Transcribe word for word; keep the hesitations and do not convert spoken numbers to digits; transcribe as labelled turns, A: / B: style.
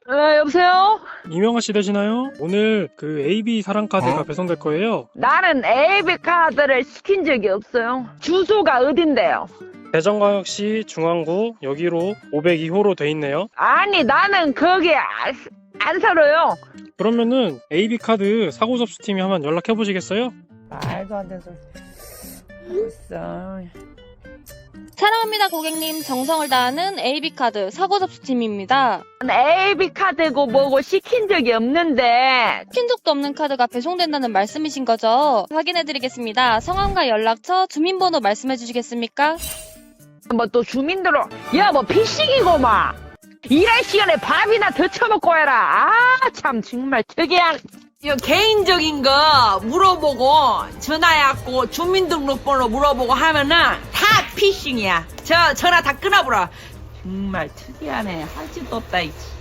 A: 어, 여보세요?
B: 이명아 씨 되시나요? 오늘 그 에이비 사랑카드가 배송될 거예요.
A: 나는 에이비 카드를 시킨 적이 없어요. 주소가 어딘데요?
B: 대전광역시 중앙구 여기로 오백이 호로 돼 있네요.
A: 아니, 나는 거기 안, 안 살아요.
B: 그러면은 에이비 카드 사고 접수팀이 한번 연락해 보시겠어요?
A: 말도 안 되는 소리. 알았어.
C: 사랑합니다 고객님, 정성을 다하는 에이비카드 사고접수팀입니다.
A: 에이비 카드고 뭐고 시킨 적이 없는데.
C: 시킨 적도 없는 카드가 배송된다는 말씀이신 거죠? 확인해드리겠습니다. 성함과 연락처, 주민번호 말씀해 주시겠습니까?
A: 뭐 또 주민들로, 야, 뭐 피싱이고만. 일할 시간에 밥이나 더 처먹고 해라. 아, 참, 정말 특이한.
D: 이거 개인적인 거 물어보고 전화해갖고 주민등록번호 물어보고 하면은 다 피싱이야. 저 전화 다 끊어버려. 정말 특이하네. 할 짓도 없다. 이